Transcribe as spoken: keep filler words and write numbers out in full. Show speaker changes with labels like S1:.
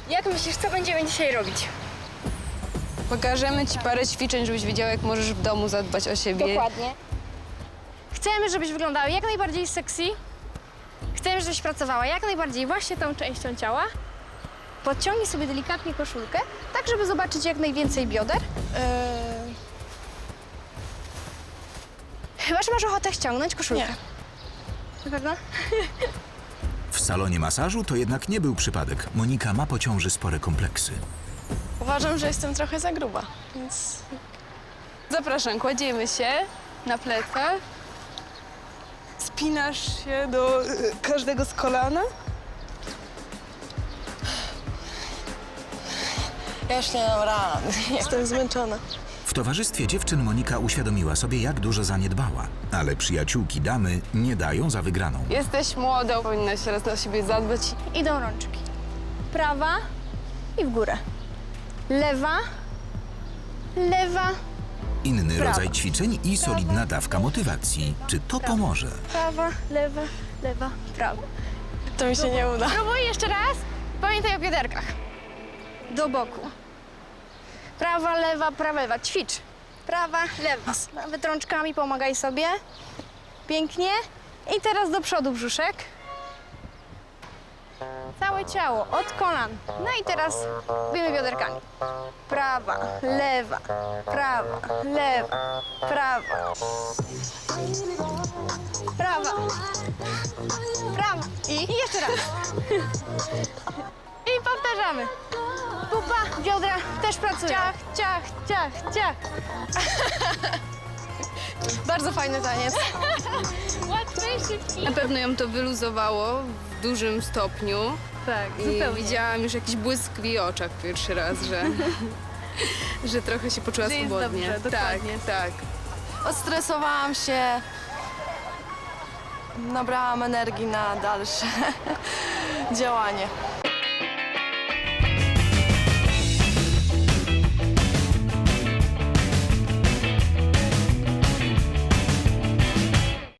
S1: Jak myślisz, co będziemy dzisiaj robić?
S2: Pokażemy ci parę ćwiczeń, żebyś wiedział, jak możesz w domu zadbać o siebie.
S1: Dokładnie. Chcemy, żebyś wyglądała jak najbardziej sexy. Chcemy, żebyś pracowała jak najbardziej właśnie tą częścią ciała. Podciągnij sobie delikatnie koszulkę, tak żeby zobaczyć jak najwięcej bioder.
S3: Yy,
S1: Chyba, że masz ochotę ściągnąć koszulkę.
S3: Nie.
S1: Na pewno?
S4: W salonie masażu to jednak nie był przypadek. Monika ma po ciąży spore kompleksy.
S3: uważam, że jestem trochę za gruba, więc
S2: Zapraszam, kładziemy się na plecach. Spinasz się do y, każdego z kolana.
S3: ja już nie dam rady. Jestem zmęczona.
S4: W towarzystwie dziewczyn Monika uświadomiła sobie, jak dużo zaniedbała. Ale przyjaciółki damy nie dają za wygraną.
S2: Jesteś młoda, powinnaś teraz o siebie zadbać.
S1: Idą rączki. Prawa i w górę. Lewa, lewa,
S4: Inny
S1: Prawa.
S4: rodzaj ćwiczeń i solidna dawka motywacji. Czy to pomoże?
S1: prawa, lewa, lewa, prawa.
S3: To mi się nie uda.
S1: Próbuj jeszcze raz. Pamiętaj o bioderkach. Do boku. Prawa, lewa, prawa, lewa. Ćwicz. Prawa, lewa. Nawet rączkami pomagaj sobie. Pięknie. I teraz do przodu brzuszek. Całe ciało, od kolan. No i teraz robimy bioderkami. Prawa, lewa, prawa, lewa, prawa. Prawa. Prawa. I jeszcze raz. I powtarzamy. Pupa, biodra też pracują. Ciach, ciach, ciach, ciach.
S3: Bardzo fajny taniec.
S1: Łatwy i szybki.
S2: Na pewno ją to wyluzowało w dużym stopniu.
S1: Tak,
S2: I widziałam już jakiś błysk w jej oczach pierwszy raz, że, że trochę się poczuła
S3: Że jest
S2: swobodnie.
S3: dobrze, dokładnie.
S2: Tak, tak.
S3: Odstresowałam się. Nabrałam energii na dalsze działanie.